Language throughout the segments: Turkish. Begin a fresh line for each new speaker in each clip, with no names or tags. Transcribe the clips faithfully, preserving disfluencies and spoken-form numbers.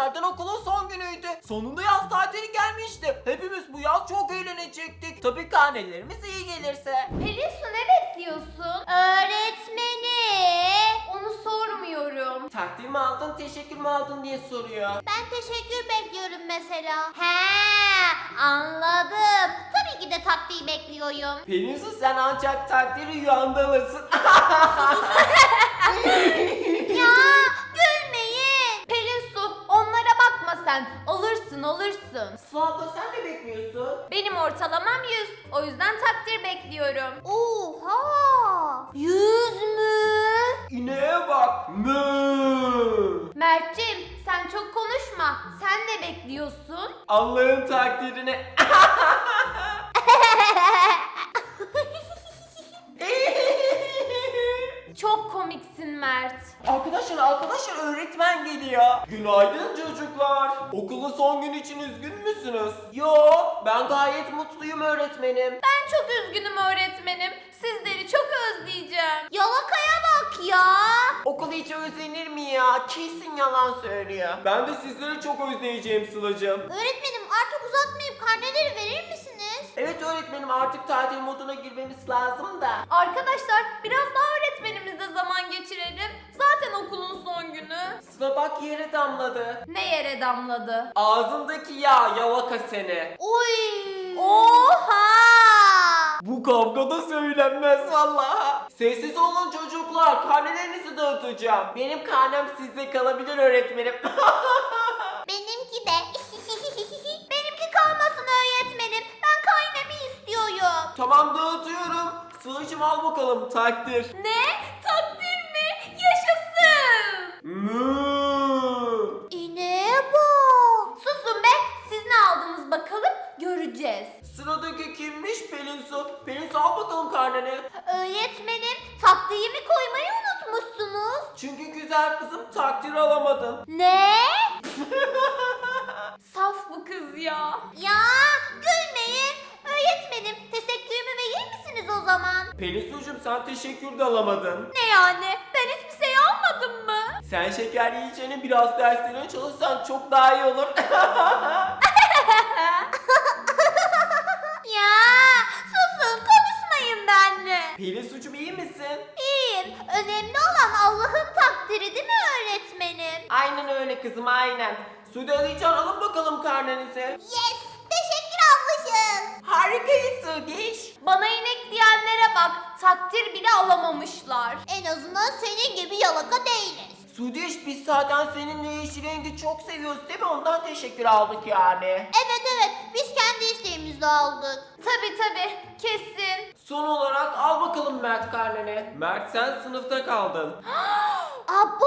günlerden okulun son günüydü. Sonunda yaz tatili gelmişti. Hepimiz bu yaz çok eğlenecektik. Tabii karnelerimiz iyi gelirse.
Pelinsu ne bekliyorsun? Öğretmeni. Onu sormuyorum.
Takdir mi aldın, teşekkür mü aldın diye soruyor.
Ben teşekkür bekliyorum mesela. He, anladım. Tabii ki de taktiği bekliyorum.
Pelinsu sen ancak takdiri rüyanda alırsın.
Ya gülmeyin. Pelinsu onlara bakma sen. Alırsın alırsın.
Sıla abla sen ne bekliyorsun?
Benim ortalamam yüz. O yüzden takdir bekliyorum. Oha! yüz mü?
İneğe bak. Mü.
Mert'cim sen çok konuşma. Sen ne bekliyorsun?
Allah'ın takdirini.
Çok komiksin Mert.
Arkadaşlar arkadaşlar öğretmen geliyor. Günaydın çocuklar. Okulun son günü için üzgün müsünüz? Yo, ben gayet mutluyum öğretmenim.
Ben çok üzgünüm öğretmenim. Sizleri çok özleyeceğim. Yalakaya bak ya.
Okul hiç özlenir mi ya? Kesin yalan söylüyor. Ben de sizleri çok özleyeceğim Sıla'cığım.
Öğretmenim artık uzatmayıp karneleri verir misiniz?
Evet öğretmenim artık tatil moduna girmemiz lazım da.
Arkadaşlar biraz daha öğretmenimizle zaman geçirelim. Zaten okulun son günü.
Sıla bak yere damladı.
Ne yere damladı?
Ağzındaki yağ yalaka seni.
Oy! Oha!
Bu kavgada söylenmez vallahi. Sessiz olun çocuklar. Karnelerinizi dağıtacağım. Benim karnem sizde kalabilir öğretmenim.
Benimki de. Benimki kalmasın öğretmenim. Ben karnemi istiyorum.
Tamam dağıtıyorum. Sıla'cığım al bakalım takdir.
Ne? Takdir mi? Yaşasın!
Mü.
İneğe bak. Susun be. Siz ne aldınız bakalım? Göreceğiz.
Sıradaki kimmiş Pelinsu? Pelinsu al bakalım karneni.
Öğretmenim takdimi koymayı unutmuşsunuz.
Çünkü güzel kızım takdir alamadın.
Ne? Saf bu kız ya. Ya gülmeyin. Öğretmenim teşekkürümü verir misiniz o zaman?
Pelinsu'cum sen teşekkür de alamadın.
Ne yani? Ben hiçbir şey almadım mı?
Sen şeker yiyeceğine biraz derslerine çalışsan çok daha iyi olur.
Ya susun konuşmayın benimle.
Pelinsu'cum iyi misin?
İyiyim. Önemli olan Allah'ın takdiri değil mi öğretmenim?
Aynen öyle kızım aynen. Sude Alican alın bakalım karnenizi.
Yes. Teşekkür ablacığım.
Harikayız Sudeş.
Bana inek diyenlere bak. Takdir bile alamamışlar. En azından senin gibi yalaka değiliz.
Sudeş biz zaten seninle yeşil rengi çok seviyoruz değil mi? Ondan teşekkür aldık yani.
Evet evet biz kendi isteğimizle aldık. Tabi tabi kesin.
Son olarak al bakalım Mert karneni. Mert sen sınıfta kaldın.
Abo!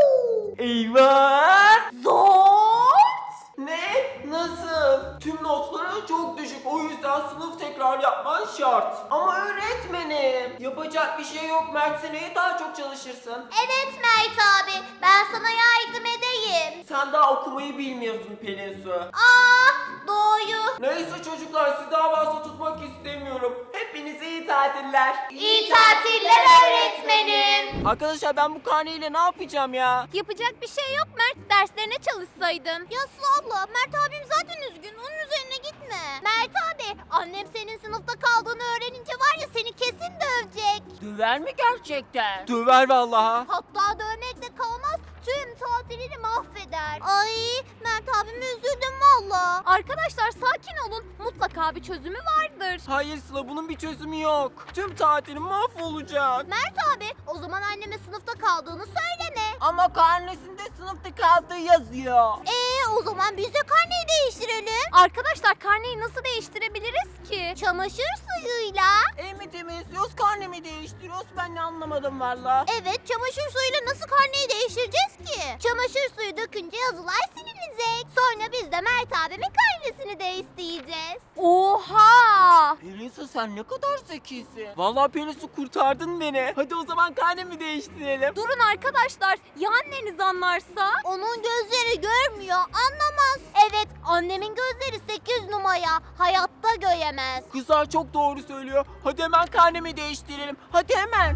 Eyvah!
Zor!
Ne? Nasıl? Tüm notların çok düşük. O yüzden sınıf tekrar yapman şart. Ama öğretmenim. Yapacak bir şey yok. Mert seneye daha çok çalışırsın.
Evet Mert abi ben sana yardım edeyim.
Sen daha okumayı bilmiyorsun Pelinsu.
Ah doğru.
Neyse çocuklar sizi daha fazla tutmak istemiyorum. Hepinize iyi tatiller.
İyi tatiller öğretmenim.
Arkadaşlar ben bu karneyle ne yapacağım ya?
Yapacak bir şey yok Mert derslerine çalışsaydın. Ya Sıla abla Mert abim zaten üzgün onun üzerine gitme. Mert abi annem senin sınıfta kaldığını öğrenince var ya seni kesin dövecek.
Döver mi gerçekten? Döver vallahi.
Hatta dövmekle kalmaz tüm tatilini mahveder. Ay Mert abime üzüldüm valla. Arkadaşlar sakin olun mutlaka bir çözümü vardır.
Hayır Sıla bunun bir çözümü yok. Tüm tatilim mahvolacak.
Mert abi o zaman anneme sınıfta kaldığını söyleme.
Ama karnesinde sınıfta kaldığı yazıyor.
Ee o zaman biz de karneyi değiştirelim. Arkadaşlar karneyi nasıl değiştirebiliriz ki? Çamaşır suyuyla.
El mi temizliyoruz karnemi değiştiriyoruz ben ne anlamadım valla.
Evet çamaşır suyuyla nasıl karneyi değiştireceğiz ki? Çamaşır suyu dökünce yazılar silinecek. Sonra biz de Mert abimin karnesini de isteyeceğiz. Oha!
Pelinsu sen ne kadar zekisin. Valla Pelinsu kurtardın beni. Hadi o zaman karnemi değiştirelim.
Durun arkadaşlar ya anneniz anlarsa? Onun gözleri görmüyor anlamaz. Evet annemin gözleri sekiz numara hayatta göremez.
Kızlar çok doğru söylüyor. Hadi hemen karnemi değiştirelim. Hadi hemen.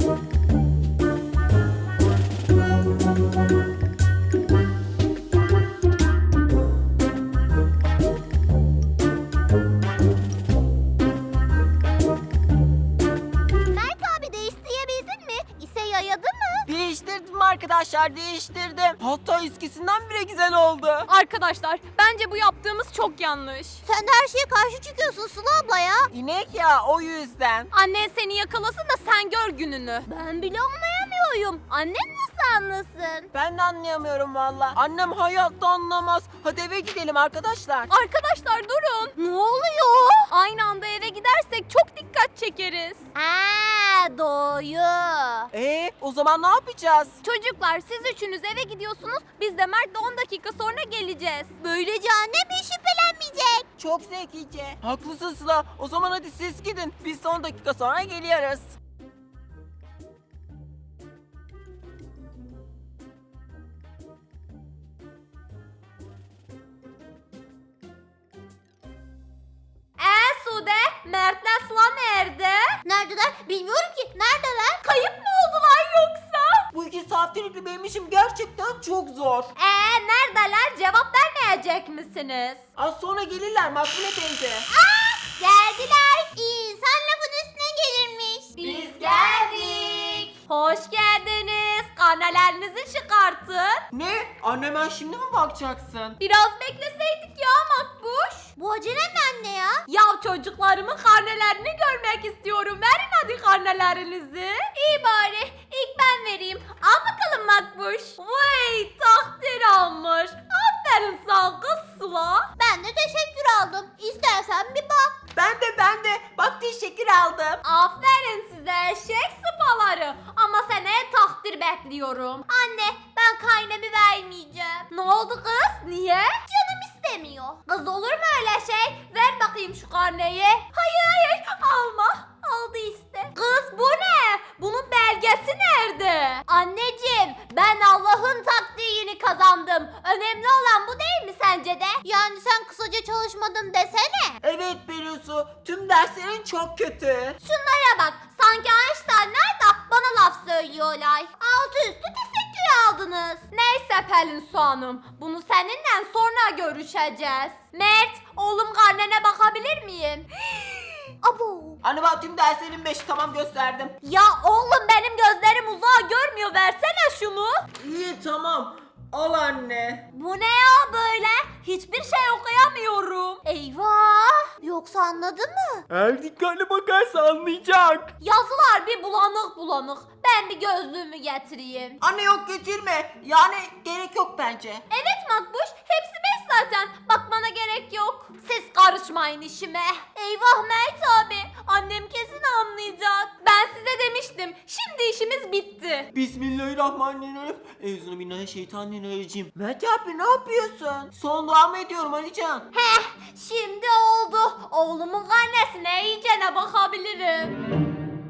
yer değiştirdim. Hatta eskisinden bile güzel oldu.
Arkadaşlar bence bu yaptığımız çok yanlış.
Sen de her şeye karşı çıkıyorsun Sıla abla ya.
İnek ya, o yüzden.
Annen seni yakalasın da sen gör gününü.
Ben bile anlayamıyorum. Annem nasıl anlasın?
Ben de anlayamıyorum valla. Annem hayatta anlamaz. Hadi eve gidelim arkadaşlar.
Arkadaşlar durun.
Ne oluyor?
Aynı anda eve gidersek çok dikkat çekeriz.
Aa, doğru.
Ee, o zaman ne yapacağız?
Çocuklar siz üçünüz eve gidiyorsunuz. Biz de Mert'le on dakika sonra geleceğiz.
Böylece annem hiç şüphelenmeyecek.
Çok zekice. Haklısın Sıla. O zaman hadi siz gidin. Biz son dakika sonra geliyoruz.
Ee Sude, Mert'le Sıla nerede?
Neredeler? Bilmiyorum ki. Neredeler?
Kayıp mı oldular yoksa?
Bu iki saatlik benim işim gerçekten çok zor.
Ee neredeler? Cevap vermeyecek misiniz?
Az sonra gelirler Makbule teyze.
Geldiler. İnsan lafın üstüne gelirmiş.
Biz geldik. Hoş geldiniz. Karnelerinizi çıkartın.
Ne? Anneme şimdi mi bakacaksın?
Biraz bekleseydik ya Makbuş.
Bu acele mi anne ya?
Ya çocuklarımın karnelerini görmek istiyorum. Verin hadi karnelerinizi. İyi bari. İlk ben vereyim. Al bakalım Makbuş. Vay takdir almış. Aferin sana kız Sıla.
Ben de teşekkür aldım. İstersen bir bak.
Ben de ben de. Bak teşekkür aldım.
Aferin size eşek sıpaları. Ama seneye takdir bekliyorum.
Anne ben kaynemi vermeyeceğim.
Ne oldu kız? Niye?
Canım istemiyor.
Kız olur mu öyle şey? Ver bakayım şu karneyi. Hayır hayır alma. Aldı işte. Kız bu ne? Bunun belgesi nerede?
Anneciğim ben Allah'ın takdirini kazandım. Önemli olan bu değil mi sence de? Yani sen kısaca çalışmadın desene.
Evet Pelusu. Tüm derslerin çok kötü.
Şunlara bak. Sanki Einstein'lar da bana laf söylüyorlar. Altı üstü teşekkür aldınız.
Neyse Pelin Su Hanım. Bunu seninle sonra görüşeceğiz. Mert, oğlum karnene bakabilir miyim?
Abo.
Anne bak tüm derslerin beşi tamam gösterdim.
Ya oğlum benim gözlerim uzağa görmüyor. Versene şunu.
İyi tamam. Al anne.
Bu ne ya böyle? Hiçbir şey okuyamıyorum.
Eyvah. Yoksa anladın mı?
Eğer dikkatli bakarsa anlayacak.
Yazılar bir bulanık bulanık. Ben bir gözlüğümü getireyim.
Anne yok getirme. Yani gerek yok bence.
Evet Makbuş, hepsi beş zaten. Bakmana gerek yok. Siz karışmayın işime. Eyvah Mert abi, annem kesin anlayacak. Ben size demiştim, şimdi işimiz bitti.
Bismillahirrahmanirrahim. Euzubillahimineşşeytanirracim. Mert abi ne yapıyorsun? Son dua mı ediyorum Alican?
Heh, şimdi oldu. Oğlumun karnesine iyicene bakabilirim.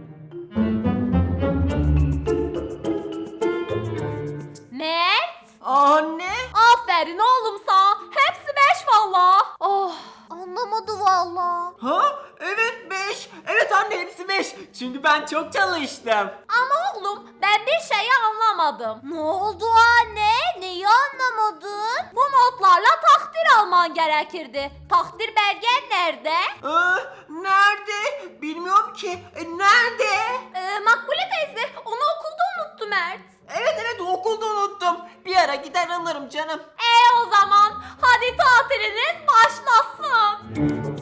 Mert,
Anne.
aferin oğlum sana. Hepsi beş valla. Oh.
Anlamadı valla.
Ha? Evet beş. Evet anne hepsi beş. Çünkü ben çok çalıştım.
Ama oğlum ben bir şeyi anlamadım.
Ne oldu anne? Neyi anlamadın?
Bu notlarla takdir alman gerekirdi. Takdir belgen nerede?
Ee, nerede? Bilmiyorum ki. E, nerede?
Ee, Makbule teyze onu okulda unuttu Mert.
Evet evet okulda unuttum. Bir ara gider alırım canım.
E o zaman hadi tatiliniz başlasın.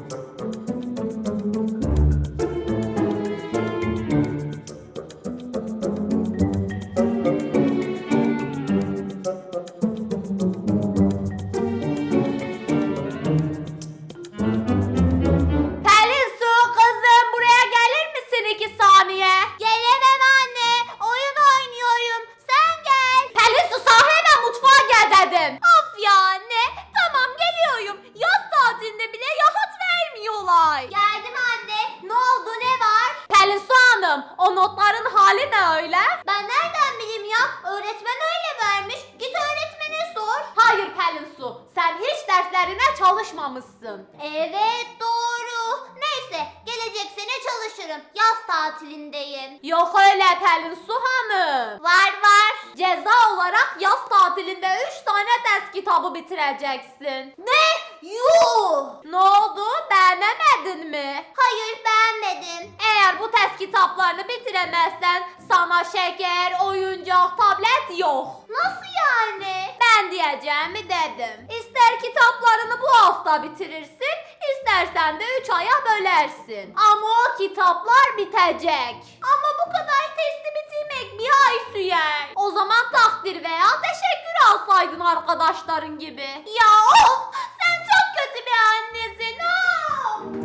Pelin Su kızım buraya gelir misin iki saniye?
Gelemem anne. Oyun oynuyorum. Sen gel.
Pelin Su sana hemen mutfağa gel dedim. Of ya anne. Tamam geliyorum. Yaz tatilinde bile rahat vermiyorlar.
Geldim anne. Ne oldu ne var?
Pelin Su Hanım o notların hali ne öyle?
Ben nereden bileyim ya? Öğretmen öyle vermiş. Git öğretmene sor.
Hayır Pelin Su sen hiç derslerine çalışmamışsın.
Evet doğru. Neyse gelecek sene çalışırım. Yaz tatilindeyim.
Yok öyle Pelin Su Hanım.
Var var.
Ceza olarak yaz tatilinde üç tane ders kitabı bitireceksin.
Ne? Yuh!
Ne oldu? Beğenemedin mi?
Hayır beğenmedim.
Eğer bu test kitaplarını bitiremezsen sana şeker, oyuncak, tablet yok.
Nasıl yani?
Ben diyeceğimi dedim. İster kitaplarını bu hafta bitirirsin, istersen de üç aya bölersin. Ama o kitaplar bitecek.
Ama bu kadar testi bitirmek bir ay sürer.
O zaman takdir veya teşekkür alsaydın arkadaşların gibi.
Ya of! Sen çok kötü bir annesin. Of!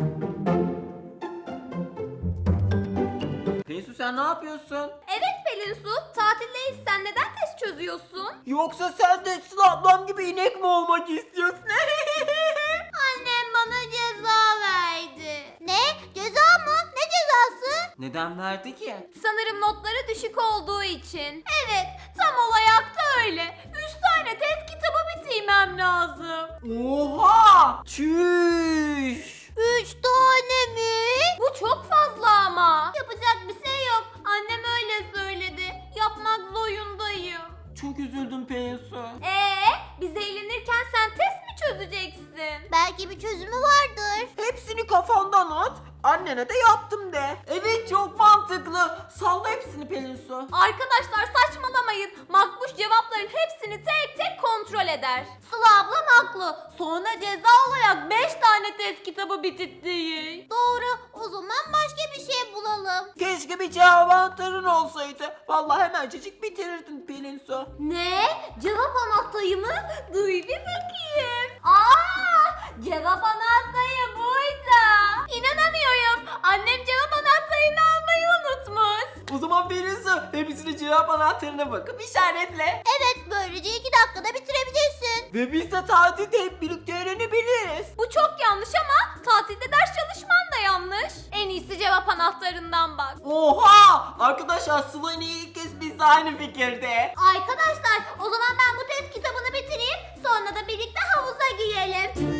Pelinsu sen ne yapıyorsun?
Evet Pelinsu, tatildeyiz. Sen neden test çözüyorsun?
Yoksa sen de Sıla ablam gibi inek mi olmak istiyorsun?
Annem bana ceza verdi. Ne? Ceza mı? Ne cezası?
Neden verdi ki?
Sanırım notları düşük olduğu için. Evet, tam olarak da öyle. Üç tane test kitabı bitirmem lazım.
Oha! Çüş!
Üç tane mi?
Bu çok fazla ama.
Yapacak bir şey yok.
Annem öyle söyledi. Yapmak zorundayım.
Çok üzüldüm Pelinsu.
Ee, biz eğlenirken sen test mi çözeceksin?
Belki bir çözümü vardır.
Hepsini kafandan at. Annene de yaptım de. Evet çok mantıklı. Salla hepsini Pelinsu.
Arkadaşlar saçmalamayın. Makbuş cevapların hepsini tek tek kontrol eder.
Sıla ablam haklı.
Sonra ceza olarak beş tane test kitabı bitirttiği.
Doğru. O zaman başka bir şey bulalım.
Keşke bir cevap anahtarın olsaydı. Vallahi hemencecik bitirirdin Pelinsu.
Ne? Cevap anahtarı mı? Duy bir bakayım. Aa, cevap anahtarı buydu. İnanamıyorum. Annem cevap anahtarını almayı unutmuş.
O zaman Pelinsu hepsini cevap anahtarına bakıp işaretle.
Evet, böylece iki dakikada bitirebilirsin.
Ve biz de tatilde hep birlikte öğrenebiliriz.
Bu çok yanlış ama tatilde ders çalışman da yanlış. En iyisi cevap anahtarından bak.
Oha! Arkadaşlar Sıla ile ilk kez biz de aynı fikirde.
Arkadaşlar, o zaman ben bu test kitabını bitireyim. Sonra da birlikte havuza girelim.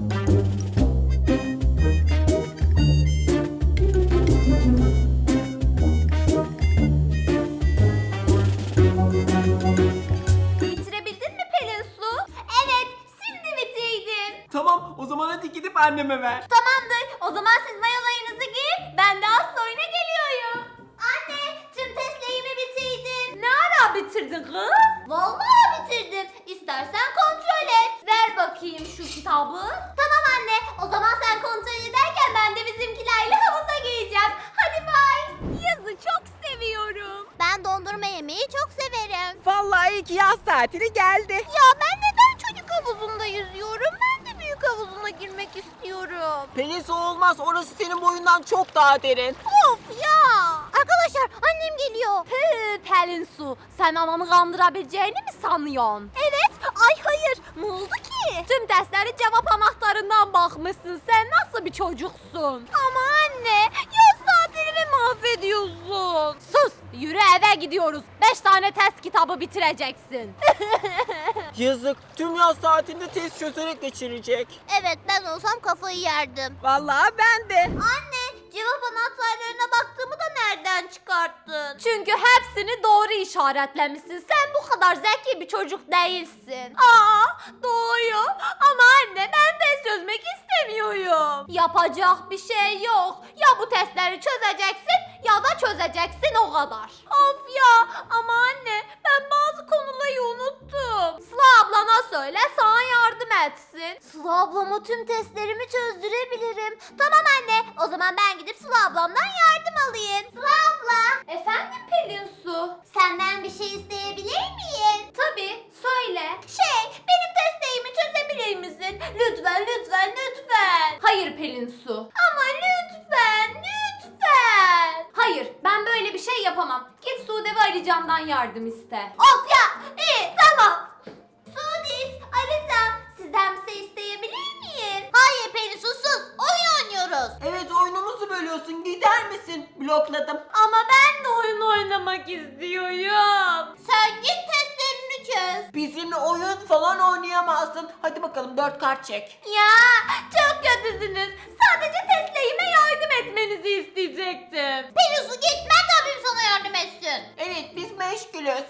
Bitirebildin mi Pelin Su?
Evet, şimdi bitirdim.
Tamam o zaman hadi gidip anneme ver.
Tamamdır. O zaman siz mayolarınızı giyin. Ben de az sonra geliyorum.
Anne, tüm testlerimi bitirdim.
Ne ara bitirdin kız?
Vallahi bitirdim. İstersen kontrol et.
Ver bakayım şu kitabı.
Tamam anne, o zaman sen kontrol ederken ben de bizimkilerle havuza gireceğim. Hadi bay.
Yazı çok seviyorum.
Ben dondurma yemeyi çok severim.
Vallahi iyi ki yaz tatili geldi.
Ya ben neden çocuk havuzunda yüzüyorum? Ben de büyük havuzuna girmek istiyorum.
Pelinsu olmaz orası senin boyundan çok daha derin.
Of ya. Arkadaşlar annem geliyor.
Hı, Pelin Su, sen ananı kandırabileceğini mi sanıyorsun? Evet. Ay hayır. Ne oldu ki? Tüm testlere cevap anahtarından bakmışsın. Sen nasıl bir çocuksun?
Ama anne, yaz tatilimi
Mahvediyorsun. Sus. Yürü eve gidiyoruz. Beş tane test kitabı bitireceksin.
Yazık tüm yaz tatilinde test çözerek geçirecek.
Evet, ben olsam kafayı yerdim.
Vallahi ben de.
Anne, cevap anahtarlarına baktığımı da nereden çıkarttın?
Çünkü hepsini doğru işaretlemişsin. Sen bu kadar zeki bir çocuk değilsin. Aa, doğru. Ama anne ben test çözmek istemiyorum. Yapacak bir şey yok. Ya bu testleri çözeceksin ya da çözeceksin o kadar. Of ya, ama anne ben bazı konuları unuttum. Sıla ablana söyle sana yardım etsin.
Sıla ablama tüm testlerimi çözdürebilirim. Tamam anne, o zaman ben gidip Sıla ablamdan yardım alayım. Sıla abla,
Efendim Pelin Su?
senden bir şey isteyebilir miyim?
Tabii, söyle.
Şey, benim testlerimi çözebilir misin? Lütfen, lütfen, lütfen.
Hayır Pelin Su.
Ama lütfen, lütfen.
Hayır, ben böyle bir şey yapamam. Git Sude ve Ali Can'dan yardım iste.
Of ya, iyi, tamam. Sudis, Alican, sizden bir şey isteyebilir miyim? Hayır Pelin, sus sus, oyun oynuyoruz.
Evet oyunumuzu bölüyorsun gider misin? Blokladım.
Ama ben de oyun oynamak istiyorum.
Sen git testlerini çöz.
Bizimle oyun falan oynayamaz. olmasın. Hadi bakalım dört kart çek.
Ya çok kötüsünüz. Sadece Tesla'yıma yardım etmenizi isteyecektim.
Pelinsu git, Mert abim sana yardım etsin.
Evet biz meşgulüz.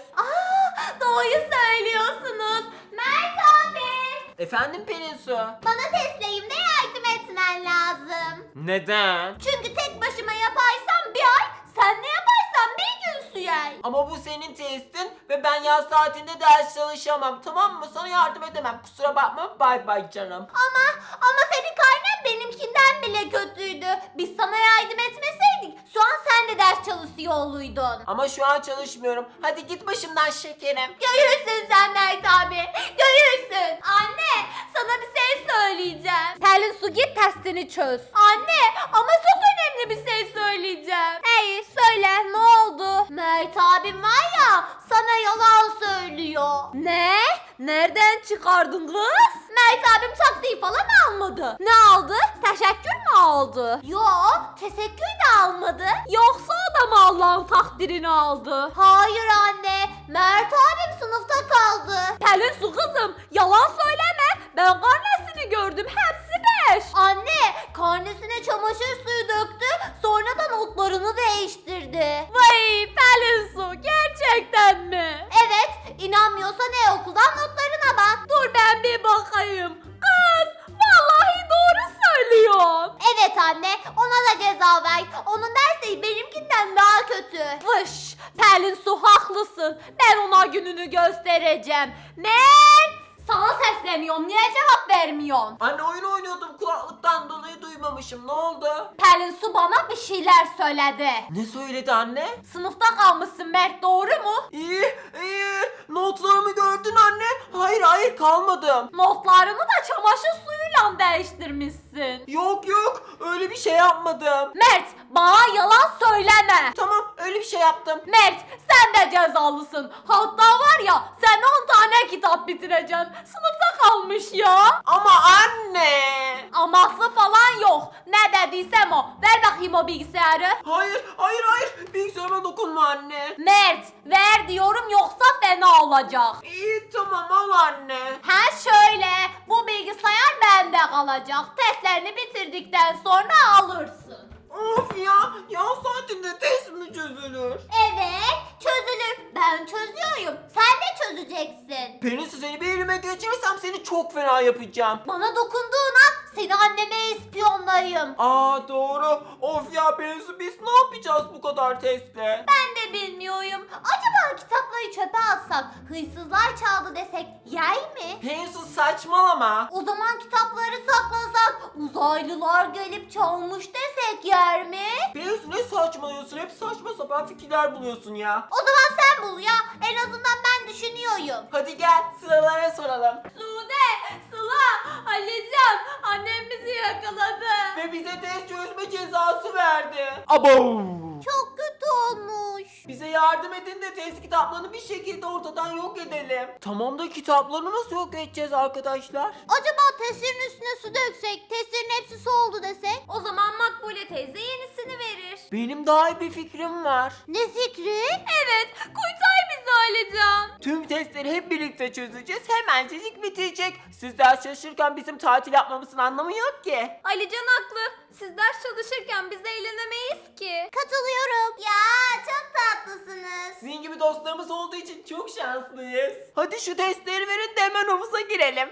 Aa, doğruyu söylüyorsunuz. Mert abi.
Efendim Pelinsu?
Bana Tesla'yımda yardım etmen lazım.
Neden?
Çünkü tek başıma yaparsam bir ay, sen ne yaparsan bir gün sürer.
Ama bu senin testin ve ben yaz saatinde ders çalışamam, tamam mı? Sana yardım edemem, kusura bakma, bay bay canım.
Ama ama senin karnen benimkinden bile kötüydü. Biz sana yardım etmeseydik şu an sen de ders çalışıyor oluydun.
Ama şu an çalışmıyorum. Hadi git başımdan şekerim.
Görürsün sen Mert abi. Görürsün. Anne sana bir şey söyleyeceğim. Pelin su git testini çöz. Anne ama çok önemli bir şey söyleyeceğim. Hey söyle ne oldu? Mert abim var ya sana yalan söylüyor. Ne? Nereden çıkardın kız? Mert abim taktiği falan almadı. Ne aldı? Teşekkür mü aldı? Yo teşekkür de almadı. Yoksa o da mı Allah'ın takdirini aldı? Hayır anne. Mert abim sınıfta kaldı. Pelin su kızım yalan söyleme. Ben karnesini gördüm. Hepsi beş. Anne karnesine çamaşır suyu döktü. Sonra da notlarını değiştirdi. Vay Pelin su gerçekten mi? Evet. İnanmıyorsan e-okuldan notlarına bak. Dur ben bir bakayım. Kız vallahi doğru söylüyorsun. Evet anne ona da ceza ver. Onun dersleri benimkinden daha kötü. Vış Pelin su haklısın. Ben ona gününü göstereceğim. Mert sana sesleniyorum. Niye cevap vermiyorsun?
Anne oyun oynuyordum, kulaklıktan dolayı duymamışım. Ne oldu?
Pelin su bana bir şeyler söyledi.
Ne söyledi anne?
Sınıfta kalmışsın Mert doğru mu?
İyi, iyi. Notlarımı gördün anne. Hayır, hayır kalmadım.
Notlarını da çamaşır suyuyla değiştirmişsin.
Yok yok, öyle bir şey yapmadım.
Mert bana yalan söyleme.
Tamam, öyle bir şey yaptım.
Mert sen de cezalısın. Hatta var ya sen on tane kitap bitireceksin. Sınıfta kalmış ya.
Ama anne.
Aması falan yok. Ne dediysem o. Ver bakayım o bilgisayarı.
Hayır, hayır, hayır. Bilgisayarıma dokunma anne.
Mert ver diyorum yoksa fena olacak.
İyi, tamam al anne.
Ha şöyle bu bilgisayar bende kalacak. Testlerini bitirdikten sonra alırsın.
Of ya, yaz saatinde test mi çözülür?
Evet, çözülür. Ben çözüyorum. Sen de çözeceksin.
Pelinsu, seni bir elime geçirirsem seni çok fena yapacağım.
Bana dokunduğun an seni anneme ispiyonlayayım.
Aa doğru. Of ya Pelinsu, biz ne yapacağız bu kadar testle?
Ben de bilmiyorum.
Acaba kitapları çöpe atsak, hırsızlar çaldı desek yer mi?
Pelinsu saçmalama.
O zaman kitapları saklasak, uzaylılar gelip çalmış desek yer mi?
Pelinsu ne saçmalıyorsun? Hep saçma sapan fikirler buluyorsun ya.
O zaman sen bul ya. En azından ben düşünüyorum.
Hadi gel sıralara soralım.
Sude, Sıla, Alican, annem bizi yakaladı.
Ve bize test çözme cezası verdi. Abo!
Çok kötü olmuş.
Bize yardım edin de test kitaplarını bir şekilde ortadan yok edelim. Tamam da kitapları nasıl yok edeceğiz arkadaşlar?
Acaba testirin üstüne su döksek, testirin hepsi su oldu desek?
O zaman Makbule teyze yenisini verir.
Benim daha iyi bir fikrim var.
Ne fikri?
Evet, kurtar bizi Alican.
Tüm testleri hep birlikte çözeceğiz. Hemencecik bitecek. Siz ders çalışırken bizim tatil yapmamızın anlamı yok ki.
Alican haklı. Siz ders çalışırken biz eğlenemeyiz ki.
Katılıyorum. Ya çok tatlısınız.
Sizin gibi dostlarımız olduğu için çok şanslıyız. Hadi şu testleri verin de hemen havuza girelim.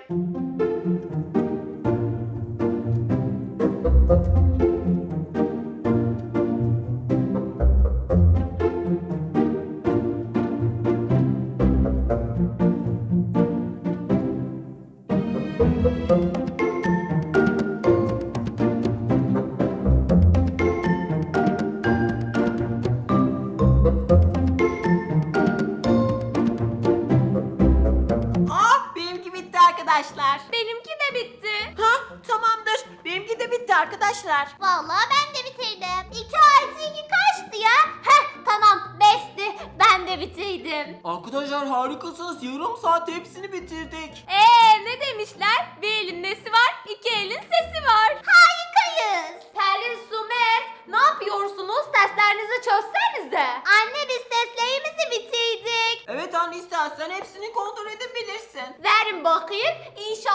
Aa, benimki bitti arkadaşlar.
Benimki de bitti.
Ha, tamamdır. Benimki de bitti arkadaşlar.
Vallahi ben de bitirdim. İki artı iki kaçtı ya?
Heh tamam beşti. Ben de bitirdim.
Arkadaşlar harikasınız. Yarım saat hepsini bitirdik.
Eee ne demişler? Bir elin nesi var, iki elin sesi var.
Harikayız.
Pelin, Su, Mert, ne yapıyorsunuz? Testlerinizi çözsenize.
Anne biz testlerimizi bitirdik.
Evet anne, istersen hepsini kontrol edebilirsin.
Verin bakayım. İnşallah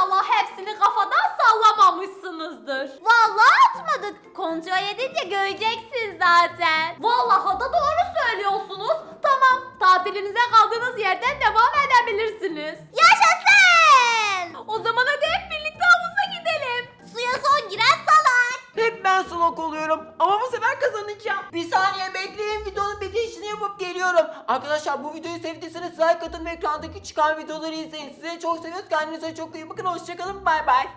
zaten. Vallahi da doğru söylüyorsunuz. Tamam, tatilinize kaldığınız yerden devam edebilirsiniz.
Yaşasın!
O zaman hadi hep birlikte havuza gidelim.
Suya son giren salar.
Hep ben slok oluyorum ama bu sefer kazanacağım. Bir saniye bekleyin, videonun bitişini yapıp geliyorum. Arkadaşlar bu videoyu sevdiyseniz like atın ve ekrandaki çıkan videoları izleyin. Size çok seviyoruz. Kendinize çok iyi bakın. Hoşçakalın. Bay bay.